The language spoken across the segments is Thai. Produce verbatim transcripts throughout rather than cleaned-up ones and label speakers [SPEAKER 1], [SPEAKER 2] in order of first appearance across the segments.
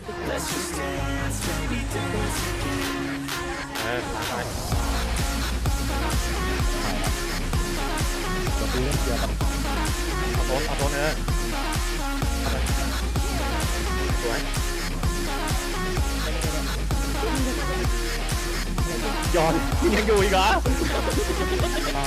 [SPEAKER 1] เออล้างไป
[SPEAKER 2] จะตีเล่นเกียร์กับ
[SPEAKER 1] เอาโทนเอาโทนเออสวยย้อนยังอยู่อีกเหรอ
[SPEAKER 2] ใช่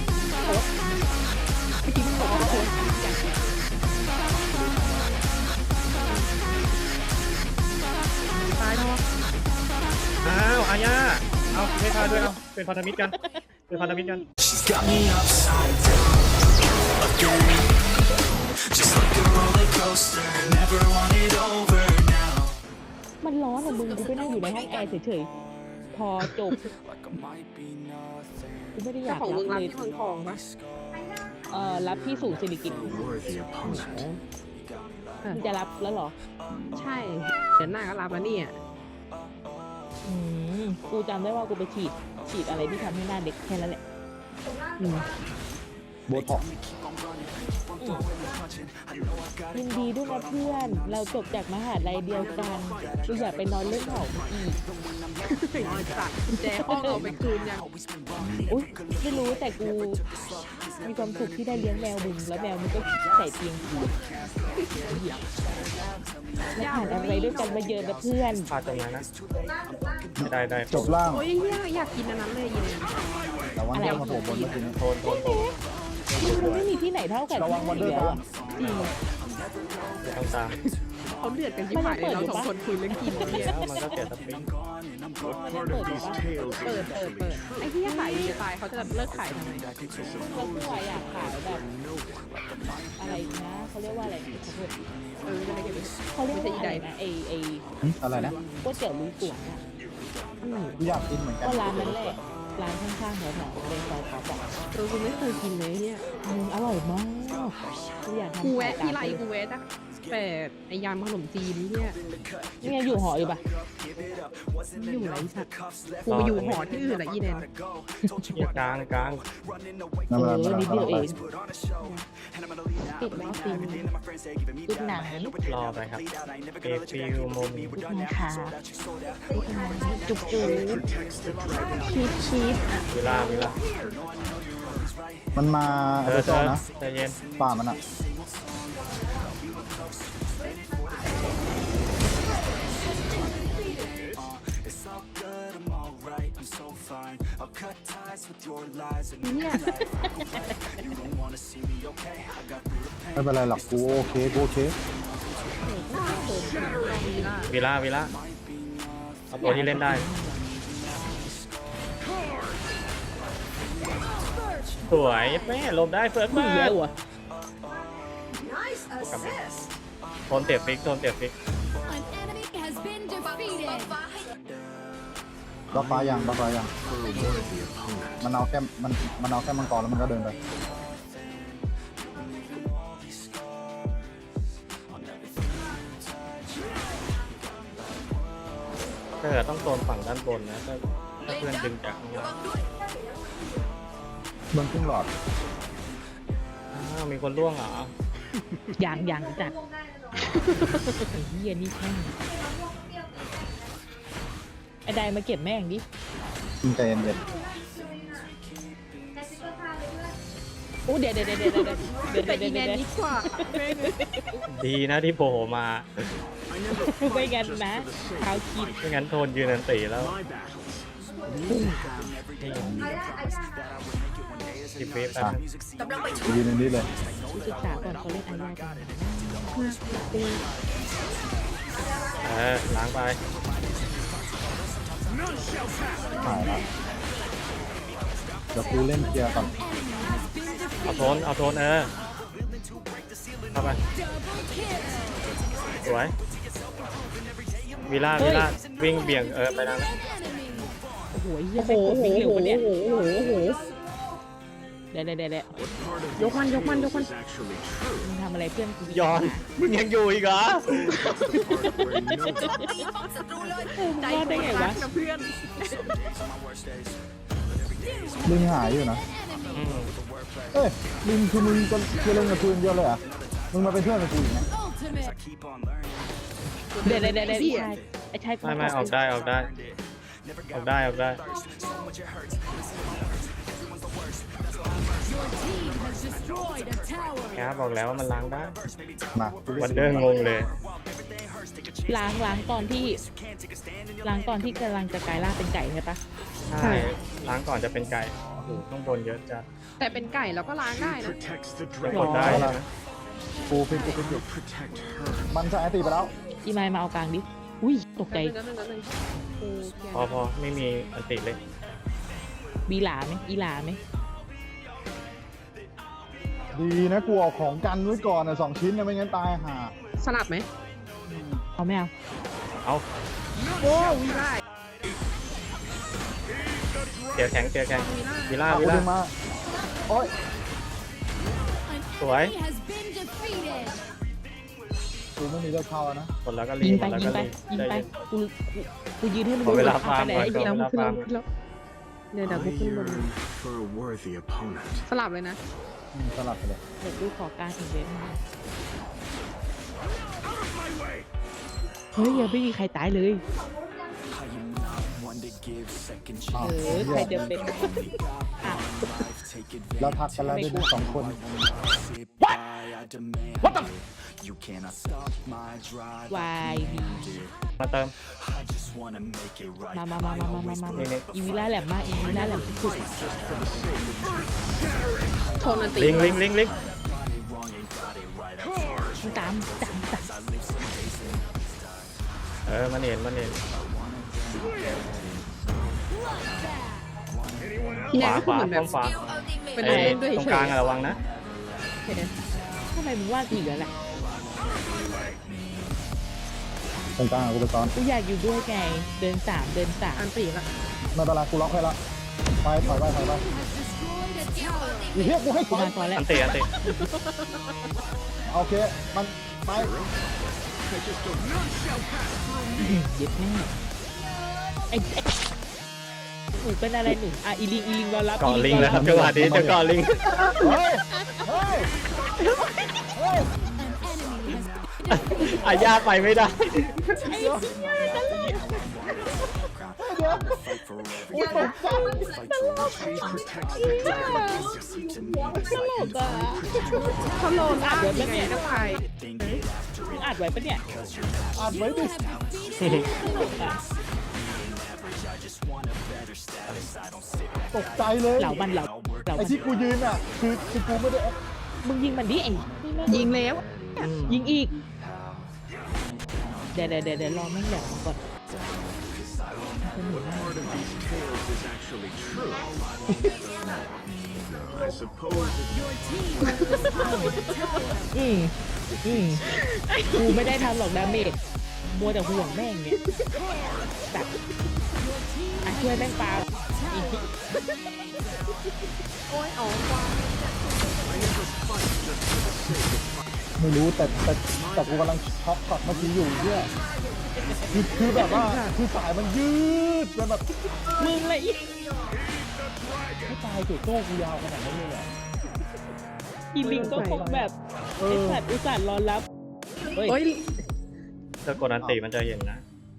[SPEAKER 3] ตายเนาะ
[SPEAKER 1] อ้าวอาญาเอาไม่พาด้วยเอาเป็นพันธมิตรกันเป็นพันธมิตรกัน
[SPEAKER 4] She's got me upside down again, just like a roller coaster. Never want it over now.
[SPEAKER 3] มันร้อนอะมึงกูไปนั่งอยู่ในห้องแอร์เฉยๆพอจบ
[SPEAKER 4] Like I might be nothing.
[SPEAKER 3] กูไม่ได้อยาก
[SPEAKER 5] ของ
[SPEAKER 3] รั
[SPEAKER 5] มึ
[SPEAKER 3] บ
[SPEAKER 5] งรับ
[SPEAKER 3] เลย
[SPEAKER 5] ที่เมืองทองปะ
[SPEAKER 3] เอ่อรับที่สูงสิริกิติ์
[SPEAKER 4] Worthy opponent.
[SPEAKER 3] มึงจะรับแล้วเหรอ
[SPEAKER 5] ใช่เดือนหน้าก็รับแล้วเนี่ย
[SPEAKER 3] อืมกูจำได้ว่ากูไปฉีดฉีดอะไรที่ทำให้หน้าเด็กแค่นั้นแหละอืม
[SPEAKER 2] โบท็อกซ์
[SPEAKER 3] ยินดีด้วยนะเพื่อน เราจบจากมหาลัยเดียวกันกูอยากไปนอนเล่นเผาอีก
[SPEAKER 5] จัดกุญแจห้องเอาไปคืนยัง
[SPEAKER 3] อุ๊ยไม่รู้แต่กูมีความสุขที่ได้เลี้ยงแมวมึงแล้วแมวมึงก็ใส่เตียงกูแล้วผ่านอะไรด้วยกันมาเยอะนะเพื่อน
[SPEAKER 1] พาตรงนั้นนะได้ได้
[SPEAKER 2] จบล่าง
[SPEAKER 5] โอ้ยเนี่ยอยากกินอันนั้นเลยยิน
[SPEAKER 2] แต่ว่าเนี่ยมาโผล่บนเมื่อกี้นี้
[SPEAKER 1] โทนโทนโทน
[SPEAKER 3] มันไม่มีที่ไหนเท่ากับ
[SPEAKER 2] ระวังวันเดอร์
[SPEAKER 3] แล้ว
[SPEAKER 2] ก่อน
[SPEAKER 3] จริง
[SPEAKER 1] ไม่ต้องตาม
[SPEAKER 5] เขาเดือดกันที่ผ่านเลยเราสองคนคุยเรื่องกินเนี่ย
[SPEAKER 1] แล้วมันก็เสียสปริง
[SPEAKER 3] มันเปิดอยู่ปะ
[SPEAKER 5] เปิดเปิดเปิดไอ้ที่ขายดีจะตายเขาจะเลิกขายทำไม
[SPEAKER 3] ก็คือว่าอยากขายแบบอะไรนะเขาเรียกว่าอะไรขอโทษ
[SPEAKER 5] เออจะได้เก็บไป
[SPEAKER 3] เขาเรียกว่าอะไรนะไอไอ
[SPEAKER 2] หึอะไรนะ
[SPEAKER 3] ก๋วยเตี๋ยวลุยสวนอะ
[SPEAKER 2] กูอยากกินเหมือนกัน
[SPEAKER 3] ก็ร้านนั้นแหละร้านข้างๆแถวๆในซอยเขาบอก
[SPEAKER 5] เออกูไม่เคยกินเลยเนี่ย
[SPEAKER 3] อืมอร่อยมากกูอยากทำ
[SPEAKER 5] กูแวะ
[SPEAKER 3] ขาย
[SPEAKER 5] ที่ไรกูแวะจ้ะแต่ไอยำขนมจีนเนี่ย
[SPEAKER 3] เนี่ยอยู่หออยู่ปะ
[SPEAKER 5] อยู่ไรสัตว์กูไปอยู่หอที่อื่นละอีแนน
[SPEAKER 1] เกียร์กลางกลาง
[SPEAKER 2] นั่น
[SPEAKER 3] เอ
[SPEAKER 2] แหละ
[SPEAKER 3] อนิดเดียวเอง
[SPEAKER 5] ปิดแล้วปิด
[SPEAKER 3] จุดไหน
[SPEAKER 1] รอไปครับเอฟิวโมมี
[SPEAKER 3] จุดนะคะจุกจูชีสชีส
[SPEAKER 1] เวลาเวลา
[SPEAKER 2] มันมา
[SPEAKER 1] เอ
[SPEAKER 2] เอ
[SPEAKER 1] อ
[SPEAKER 2] ส
[SPEAKER 1] เธ
[SPEAKER 2] โซ่
[SPEAKER 1] อ
[SPEAKER 2] นะ
[SPEAKER 1] ใจเย็น
[SPEAKER 2] ป่ามันอ่ะ
[SPEAKER 4] It's all good, I'm alright, I'm so fine. I'll cut ties with your lies and
[SPEAKER 5] เนี่ย
[SPEAKER 4] you don't wanna see me, okay? I got through the pain.
[SPEAKER 2] ไม่เป็นไรหรอกกูโอเคกูโอเค
[SPEAKER 1] เวลาเวลาเอาตัวที่เล่นได้สวยแม่ลมได้เฟิร์ส
[SPEAKER 3] มึ
[SPEAKER 1] มาง
[SPEAKER 3] เย
[SPEAKER 1] ก
[SPEAKER 3] อะว่ะ
[SPEAKER 1] โทนเตะฟิกโทนเตะฟิก
[SPEAKER 6] An enemy has been defeated.
[SPEAKER 2] บ้าฟ้ายังบ้าฟ้ายังมันเอาแค่มันมันเอาแค่มังกรแล้วมันก็เดินไป
[SPEAKER 1] ถ้าเกิดต้องโซนฝั่งด้านบนนะถ้าถ้าเพื่อนดึงจากข้างล่าง
[SPEAKER 2] เบิ้งครึ่งหลอด
[SPEAKER 1] อ้าวมีคนล่วงเหรอ
[SPEAKER 3] อย่างอย่างจัดไอ้เหี้ยนี่แค่งไอ้ใดมาเก็บแม่งดิ
[SPEAKER 2] มึงใจเย็น
[SPEAKER 3] โอ้เดี๋ยวเดี๋ยวเดี๋ยวเดี๋ยวเดี๋ยวเดี๋ยว
[SPEAKER 5] ไป
[SPEAKER 3] เดี๋
[SPEAKER 5] อี
[SPEAKER 3] ยว
[SPEAKER 5] แน
[SPEAKER 3] เดี๋ยวน
[SPEAKER 5] ดีกว่าแม่ง
[SPEAKER 1] ดีนะที่โผล่มา
[SPEAKER 3] ไม่งั้นนะเท้าคิด
[SPEAKER 1] ไม่งั้นโทนยืนนันตีแล้วสิบเวฟ
[SPEAKER 2] ๆ
[SPEAKER 1] แป๊บ
[SPEAKER 2] อ่ะ
[SPEAKER 1] นึง
[SPEAKER 2] กูยืนในนี้เลย
[SPEAKER 3] ศึกษาก่อนเขาเล่นอะไรกัน
[SPEAKER 1] เออล้างไป
[SPEAKER 2] หายละเดี๋ยวกูเล่นเกียร์ก่อน
[SPEAKER 1] เอาโทนเอาโทนเออเข้าไปสวยวิล่าวิล่าวิ่งเบี่ยงเออไปทางนั้น
[SPEAKER 3] โอ้โหเหี้ย
[SPEAKER 5] โอ้โห
[SPEAKER 3] แม่งกด
[SPEAKER 5] โอ้
[SPEAKER 3] วิ่ง
[SPEAKER 5] โห
[SPEAKER 3] เร็วกว่าเนี้ย
[SPEAKER 5] โอ้โหโอ้โห
[SPEAKER 3] เดี๋ยวเดี๋ยวเดี๋ยวเดี๋ยวย
[SPEAKER 5] กมันยกมันยกมัน
[SPEAKER 3] มึงทำอะไรเพื่อนกู
[SPEAKER 1] ย้อนมึงยังอยู่อีกเหรอ
[SPEAKER 5] ใจ
[SPEAKER 3] รอดได้ไงวะ
[SPEAKER 5] นะเพื่อน
[SPEAKER 2] ลิงหายอยู่นะ
[SPEAKER 1] อืม
[SPEAKER 2] เอ้ยลิงคือมึงจะจะเล่นกับกูอย่างเดียวเลยเหรอ่ะมึงมาเป็นเพื่อนกับกูอีกนะ
[SPEAKER 6] Ultimate.
[SPEAKER 4] Keep on learning.
[SPEAKER 3] เดี๋ยวเดี๋ยวเดี๋ยวเดี๋ยว
[SPEAKER 5] เหี้ย
[SPEAKER 3] ไอ้ชาย
[SPEAKER 1] ไม่ไม่ออกได้ออกได้ออกได้ออกได้
[SPEAKER 6] Your team has destroyed a tower.
[SPEAKER 1] แกบอกแล้วว่ามันล้างได้
[SPEAKER 2] มา
[SPEAKER 1] วันเดอร์งงเลย
[SPEAKER 3] ล้างล้างตอนที่ล้างตอนที่กำลังจะกลายร่างเป็นไก่ใช่ปะ
[SPEAKER 1] ใช่ ล้างก่อนจะเป็นไก่โอ้โหต้องบนเยอะจัด
[SPEAKER 5] แต่เป็นไก่เราก็ล้างได้นะ
[SPEAKER 1] ยังกดได้นะ
[SPEAKER 2] กูฟิกกูฟิกอยู่มันใช้ไอตีไปแล้ว
[SPEAKER 3] อีไมล์มาเอากลางดิอุ้ยตกใจ
[SPEAKER 5] แป๊บนึงแป๊บนึงแป๊บนึงกูเกลียด
[SPEAKER 1] พอพอไม่มีอันติเลย
[SPEAKER 3] บีหลาไหมอีหลาไหม
[SPEAKER 2] ดีนะกูเอาของกันไว้ก่อนนะสองชิ้นนะไม่งั้นตายห่า
[SPEAKER 5] สลับไหม
[SPEAKER 3] เอาไม่เอา
[SPEAKER 1] เอา
[SPEAKER 5] โอ้วีไล่
[SPEAKER 1] เตียแข็งเตียแข็งวิล่า
[SPEAKER 2] เอา
[SPEAKER 1] วิ
[SPEAKER 2] กู
[SPEAKER 1] ล่า
[SPEAKER 2] ดึงมาโอ๊ย
[SPEAKER 6] An
[SPEAKER 1] Ủa?
[SPEAKER 6] enemy has been defeated.
[SPEAKER 2] กูไม่มีเลือดเข้าแล้วนะ
[SPEAKER 1] กดแล้วก็รี
[SPEAKER 3] ยิง
[SPEAKER 1] ก
[SPEAKER 3] ไป
[SPEAKER 1] ดแล้ว
[SPEAKER 3] ยิ
[SPEAKER 1] ก็
[SPEAKER 3] งไป
[SPEAKER 1] รี
[SPEAKER 3] ยิง
[SPEAKER 1] ใจ
[SPEAKER 3] ไป
[SPEAKER 1] เย็น
[SPEAKER 3] กูกูกูยืนให้มึง
[SPEAKER 1] ขอเวลา
[SPEAKER 3] ดู
[SPEAKER 1] ฟาร์ม
[SPEAKER 3] ไป
[SPEAKER 1] ก่อน
[SPEAKER 3] ไอ้
[SPEAKER 1] ขอ
[SPEAKER 3] เดี๋ยว
[SPEAKER 1] เวลา
[SPEAKER 5] ขึ้น
[SPEAKER 1] ฟา
[SPEAKER 5] แล้
[SPEAKER 1] ร์
[SPEAKER 5] ว
[SPEAKER 1] ม
[SPEAKER 5] ขึ้นแล้วเดี๋ยวเดี๋ยวกูขึ้นบน
[SPEAKER 4] for a worthy opponent.
[SPEAKER 5] สลับเลยนะ
[SPEAKER 2] อืมสลับไปเลย
[SPEAKER 3] เดี๋ยวกูขอการอีกเว็บมาเฮ้ยยังไม่มีใครตายเลย
[SPEAKER 4] I am not one to give second
[SPEAKER 2] อ้าว
[SPEAKER 3] เออ
[SPEAKER 2] เหี้
[SPEAKER 3] ใคร
[SPEAKER 2] ย
[SPEAKER 3] จะเป็นอ่ะ
[SPEAKER 4] life. Take advantage.
[SPEAKER 2] แล้วทักกันแล้วด้วยนะสองคน
[SPEAKER 4] Sit by, I demand What the? You cannot stop my drive.
[SPEAKER 3] วายดี
[SPEAKER 1] มาเติม
[SPEAKER 4] I just wanna make it right.
[SPEAKER 3] มามามามามามามา
[SPEAKER 1] นี่นี่
[SPEAKER 3] อีวิล่าแหลมมากอีวิล่าแหลมสุด
[SPEAKER 5] โทนอันตี
[SPEAKER 1] ลิงลิงลิงลิง
[SPEAKER 3] ๆมันตามตามตาม
[SPEAKER 1] เออมันเห็นมันเห็น
[SPEAKER 5] พี่
[SPEAKER 1] ข
[SPEAKER 5] แนน
[SPEAKER 1] วา
[SPEAKER 5] ก็
[SPEAKER 1] ขวา
[SPEAKER 5] เหมือนแบ
[SPEAKER 1] ต้
[SPEAKER 5] บ
[SPEAKER 1] องขวา
[SPEAKER 5] เป็น
[SPEAKER 1] ไอ้
[SPEAKER 5] เล่นด้วย
[SPEAKER 1] ตรง
[SPEAKER 5] เฉ
[SPEAKER 1] กลาง
[SPEAKER 5] ย
[SPEAKER 1] อะระวังนะ
[SPEAKER 3] ทำไมมึงว่ากูอีกแล้วล่ะ
[SPEAKER 2] ตรงกลางอะกูไปซ้อน
[SPEAKER 3] กูอยากอยู่ด้วยไงเดินสามเดินสาม
[SPEAKER 5] อันตีละ
[SPEAKER 2] ไม่เป็นไรกูล็อกให้ละไปถอยไปถอยไป
[SPEAKER 6] Has destroyed a tower.
[SPEAKER 2] อีเหี้ยกูให้ถ
[SPEAKER 3] กู
[SPEAKER 2] อย
[SPEAKER 3] มาตอนแรก
[SPEAKER 1] อันติอันติ
[SPEAKER 2] โอเคมันไป
[SPEAKER 3] เย็ดแม่ไอ้ไอ้หนูเป็นอะไรหนูอ่ะอีลิงอีลิงรอรับ
[SPEAKER 1] เกาะ
[SPEAKER 3] อี
[SPEAKER 1] ลิง
[SPEAKER 3] รอ
[SPEAKER 1] แล้วครับจังหวะนี้จะเกาะลิง
[SPEAKER 2] เฮ้ยเฮ้ยเฮ้ย
[SPEAKER 6] An enemy has
[SPEAKER 1] อาญาไปไม่ได้
[SPEAKER 2] กูตกใจ
[SPEAKER 3] ตลกอ่ะ
[SPEAKER 5] เขาโลนล่างยังไงก็ไป
[SPEAKER 3] มึงอัดไว้ปะเนี่ย
[SPEAKER 2] อ่านไว้ดิ
[SPEAKER 6] have defeated.
[SPEAKER 2] ตกใจเลย
[SPEAKER 3] เหล่ามันเหล่าเหล่า
[SPEAKER 2] ไอ้
[SPEAKER 3] มัน
[SPEAKER 2] ที่กูยืนอ่ะคือคือกูไม่ได้
[SPEAKER 3] มึงยิงมันดิไอ้นี่แม่ง
[SPEAKER 5] ยิงแล้ว
[SPEAKER 3] ยิงอีก เดี๋ยวเดี๋ยวเดี๋ยวเดี๋ยวรอแม่งแหลมก่อน
[SPEAKER 4] Part of these tales is actually true. I suppose
[SPEAKER 6] Your team has destroyed a tower.
[SPEAKER 3] อืมอืมกูไม่ได้ทำหรอกดาเมจมัวแต่ห่วงแม่งเนี่ยแบบอ่ะช่วยแม่งปาอีกที
[SPEAKER 5] โอ้ยอ๋อ
[SPEAKER 2] ไม่รู้แต่แต่แต่กูกำลังช็อกช็อตเมื่อกี้อยู่เนี่ยคือคือแบบว่าคือสายมันยืดจนแบบ
[SPEAKER 3] มึงเลยอี
[SPEAKER 2] ไม่ตายเกิดโต้กูยาวขนาดนั้นเลยเหรอ
[SPEAKER 3] อีลิงก็คงแบบ
[SPEAKER 2] เอ
[SPEAKER 3] ไอ้
[SPEAKER 2] อ
[SPEAKER 3] สัตว์อุตส่าห์รอรับเฮ้ย
[SPEAKER 5] โอ้ย
[SPEAKER 1] ถ้ากดอันติมันจะเห็นนะ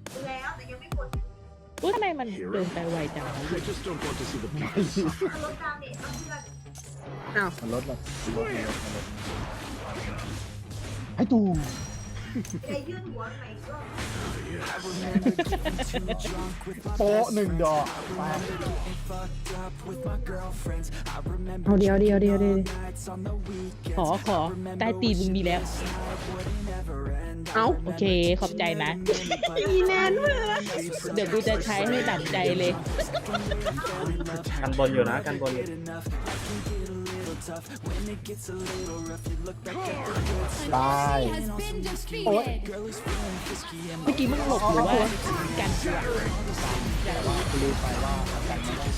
[SPEAKER 3] อุ๊ยทำไมมันเดินไปไวจังวะ
[SPEAKER 4] I just don't want to see the people suffer.
[SPEAKER 5] อ้าว
[SPEAKER 2] มันลดแบบลดมันลดมันลดไอ้ตูโปะหนึ่งดอกไป
[SPEAKER 5] เอาเดียวเดียวเดียวเดียว
[SPEAKER 3] ขอขอใต้ตีนมึงมีแล้ว
[SPEAKER 5] เอา
[SPEAKER 3] โอเคขอบใจนะ
[SPEAKER 5] อีแนนเพื่อ
[SPEAKER 3] เดี๋ยวกูจะใช้ให้ดั่งใจเลย
[SPEAKER 1] กันบนอยู่นะกันบนอยู่
[SPEAKER 2] ตาย
[SPEAKER 6] Has been defeated.
[SPEAKER 3] เมื่อกี้มึงหลบหรือว่ากันกูอะ
[SPEAKER 2] กูลืมไปว่ากันไม่ได้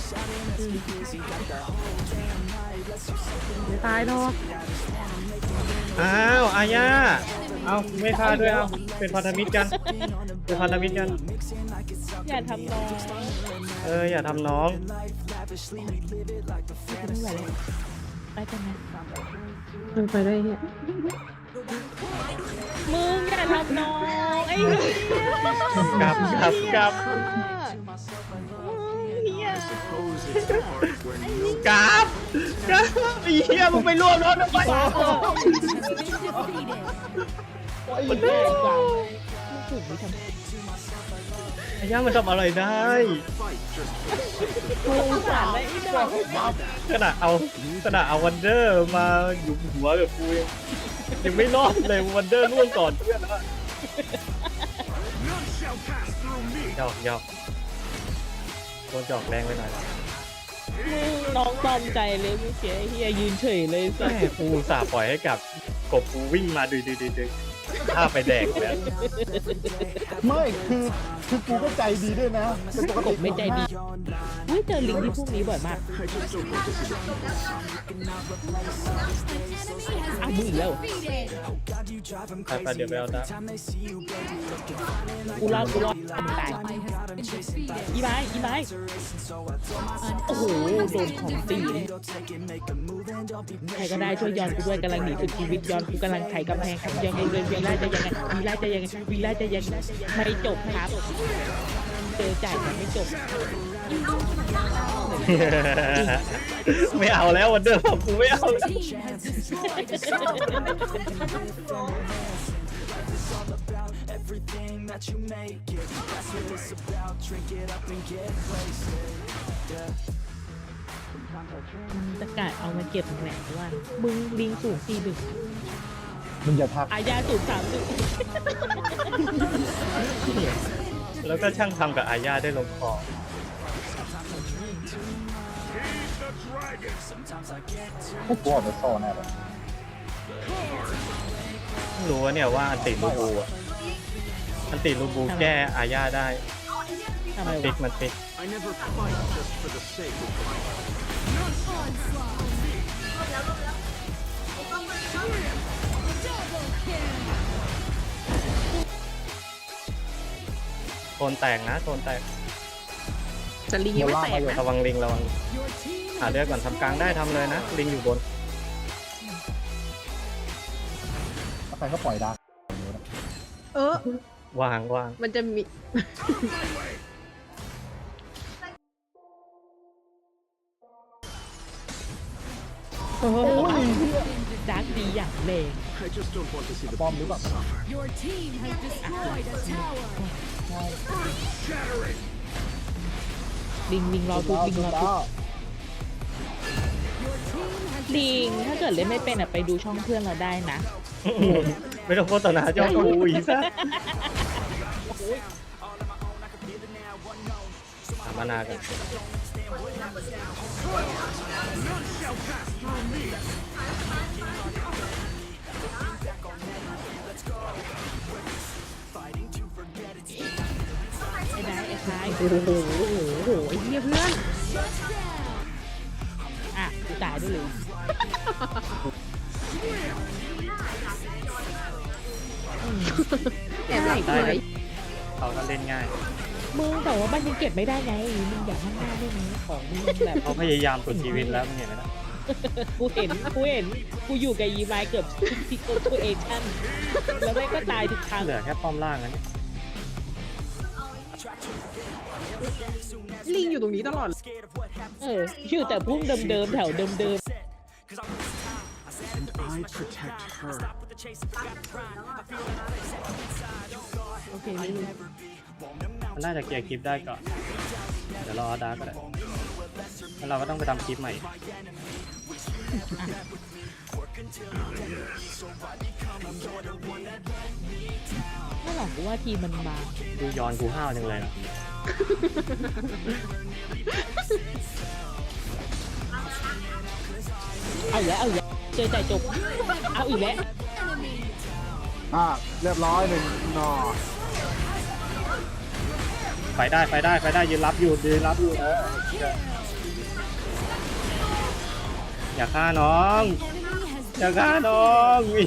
[SPEAKER 5] ไม่ตายหรอก
[SPEAKER 1] อ้าวอาญาเอาไม่ฆ่าด้วยเอาเป็นพันธมิตรกันเป็นพันธมิตรกัน
[SPEAKER 3] อย่าทำน้อง
[SPEAKER 1] เอออย่าทำน้อง
[SPEAKER 3] ไม่ไหวแล้วไปกันนะ
[SPEAKER 5] มันไปได้เฮีย
[SPEAKER 3] มึงอย่าทำน้องไอ้เหี้ย
[SPEAKER 1] กลับกลับกลับ
[SPEAKER 3] เหี้ย
[SPEAKER 1] กลับกลับไอ้เหี้ยมึงไปรวมรถทำไม
[SPEAKER 6] Been defeated.
[SPEAKER 3] มันแย่กว่ามึงถูกไม่ทำ
[SPEAKER 1] อาย่ามันทำอะไรได้
[SPEAKER 3] กูสารได้อีดอก
[SPEAKER 1] ขนาดเอาขนาดเอาวันเดอร์มาอยู่หัวกับกูยังยังไม่รอดเลยวันเดอร์ล่วงก่อนเพื่อนแล้วหยอกหยอกโดนจอกแรงไปหน่อย
[SPEAKER 3] มึงน้องตอมใจเลยเมื่อกี้ไอ้เฮียยืนเฉยเลยสั
[SPEAKER 1] แม่กูอุตสาห์ปล่อยให้กับกบกูวิ่งมาดึงดึงดึงดึงถ้าไปแดกแล้ว
[SPEAKER 2] ไม่คือคือกูก็ใจดีด้วยนะเป็นปก
[SPEAKER 3] ก
[SPEAKER 2] ติ
[SPEAKER 3] บไม่ใจดีเฮ้ยเจอลิงที่พวกนี้บ่อยมากอ้าวมึงอีกแล้ว
[SPEAKER 6] Defeated.
[SPEAKER 1] ไปไปเดี๋ยวไปเอาดา
[SPEAKER 3] กูรอดกูรอดมึงตาย
[SPEAKER 6] Ally has been defeated.
[SPEAKER 3] อีไม้อีไม้โอ้โหโดนของตีเลยใครก็ได้ช่วยย้อนกูด้วยกำลังหนีสุดชีวิตย้อนกูกำลังไขกำแพงครับยังไงเลยวีล่าจะยังไงวีล่าจะยังไงวีล่าจะยังไงไม่จบครับเจอจ่ายมันไม่จบ
[SPEAKER 1] ไม่เอาแล้ววันเดอร์บอกกูไม่เอา
[SPEAKER 6] Team has destroyed a summoner.
[SPEAKER 4] everything that you make it. That's what it's about. Drink it up and get wasted. Yeah.
[SPEAKER 3] ตะกาดเอามาเก็บแหวนว่ามึงลิงสูงสี่ดึก
[SPEAKER 2] มึงอย่าทัก
[SPEAKER 3] อายาสูงสามดึก
[SPEAKER 1] แล้วก็ช่างทำกับอาญาได้ลงคอ
[SPEAKER 2] พวกกูออกจากโซ่แน่เลย
[SPEAKER 1] รู้ว่าเนี่ยว่าอันติลูบูอะอันติลูบูแก้อาญาได้
[SPEAKER 3] ทำไม
[SPEAKER 1] ติ
[SPEAKER 3] วะ
[SPEAKER 1] ดมันติด โซนแตกนะโซนแตก
[SPEAKER 5] แต่ลิงยังไม่แตกนะ
[SPEAKER 1] ระวังลิงระวัง
[SPEAKER 6] Your team
[SPEAKER 1] หาเลือดก่อนทำกลางได้ทำเลยนะ ลิงอยู่บน
[SPEAKER 2] แล้วใครก็ปล่อยดาร์ก
[SPEAKER 5] เออ
[SPEAKER 1] วางวาง
[SPEAKER 5] มันจะมี
[SPEAKER 3] โอ้ยดาร์กดีอย่างแรง
[SPEAKER 2] ป้อมหรือเปล่า
[SPEAKER 6] Your team has destroyed a tower.
[SPEAKER 3] ลิงลิงรอทุบลิงรอทุบ
[SPEAKER 6] Your team has
[SPEAKER 3] ลิงถ้าเกิดเล่นไม่เป็นอ่ะไปดูช่องเพื่อนเราได้นะ
[SPEAKER 1] ไม่ต้องโฆษณาเจ้ากูอีกซะหามานากัน
[SPEAKER 3] ไอ้ได้ไอ้คล้าย
[SPEAKER 5] โอ้โหโอ้โหโอ้โหไอ้เหี้ยเพื่อน
[SPEAKER 3] อ่ะกูตายด้วยเลย
[SPEAKER 5] แอบหลับ
[SPEAKER 1] ได้
[SPEAKER 5] เล
[SPEAKER 1] นะ
[SPEAKER 5] ย
[SPEAKER 1] เขาก็เล่นง่าย
[SPEAKER 3] มึงแต่ว่ามันยังเก็บไม่ได้ไงมึงอยากข้างหน้าได้ไหมของมึงยังแบบ
[SPEAKER 1] เขาพยายามสุดชีวิตแล้วมึงเห็นไหมนะ
[SPEAKER 3] กูเห็นกูเห็นกูอยู่กับยีไมเกือบทุกซิโกทูเอชั่นแล้วแม่งก็ตายทุกครั้ง
[SPEAKER 1] เหลือแค่ป้อมล่างนะเนี่ย
[SPEAKER 5] ลิงอยู่ตรงนี้ตลอด
[SPEAKER 3] เออชื่อแต่พุ่งเดิมๆแถวเดิม
[SPEAKER 4] And I protect her.
[SPEAKER 3] ๆโอเคไม่รู้
[SPEAKER 1] มันน่าจะเคลียร์คลิปได้ก่อน เดี๋ยวรอดาร์กก็ได้แล้วเราก็ต้องไปทำคลิปใหม่
[SPEAKER 3] ไม่หรอกกูว่าทีมมันมา
[SPEAKER 1] ดูย้อนกูห้าวจังเลยนะ
[SPEAKER 3] เอาอีกแล้วเอาอีกแล้วเจอใจจบเอาอีกแล้ว
[SPEAKER 6] enemy.
[SPEAKER 2] อ่ะเรียบร้อยหนึ่งหนอ
[SPEAKER 1] ไปได้ไปได้ไปได้ยืนรับอยู่ยืนรับอยู่เอออย่าฆ่าน้อง
[SPEAKER 6] Enemy has
[SPEAKER 1] อย่าฆ่าน้องอี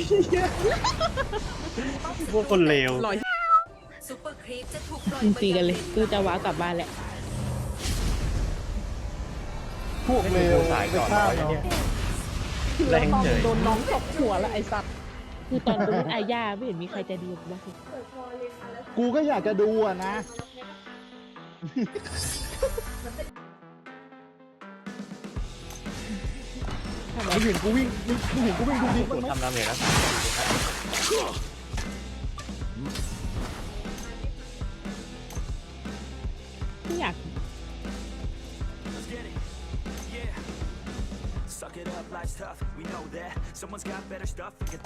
[SPEAKER 1] พวกคนเลว
[SPEAKER 5] ลอย
[SPEAKER 7] ซุปเปอร์ครีปจะถูกปล่อย
[SPEAKER 3] มึง
[SPEAKER 7] ไป
[SPEAKER 3] ตีกันเลยกูจะว้าวกลับบ้านแหละ
[SPEAKER 2] พวกเลว
[SPEAKER 1] สาย
[SPEAKER 2] ไป
[SPEAKER 1] ก่อน
[SPEAKER 2] ฆ่า
[SPEAKER 1] ร้อย
[SPEAKER 2] เนาะ
[SPEAKER 1] เนี่ยแรงเฉย
[SPEAKER 3] โดนน้องตกหัวแล้วไอ้สัตว์คือตอนกูเล่นอาญาไม่เห็นมีใครใจดีเลย
[SPEAKER 2] กูก็อยากจะดูอะนะ
[SPEAKER 3] ทำไม
[SPEAKER 2] มึงเห็นกูวิ่งมึงมึงเห็นกูวิ่งดูดิ
[SPEAKER 1] กูทำดาเมจแล้ว
[SPEAKER 3] ไม่อยาก
[SPEAKER 4] Let's get it. Yeah. Suck it up, life's tough. We know that. Someone's got better stuff. We can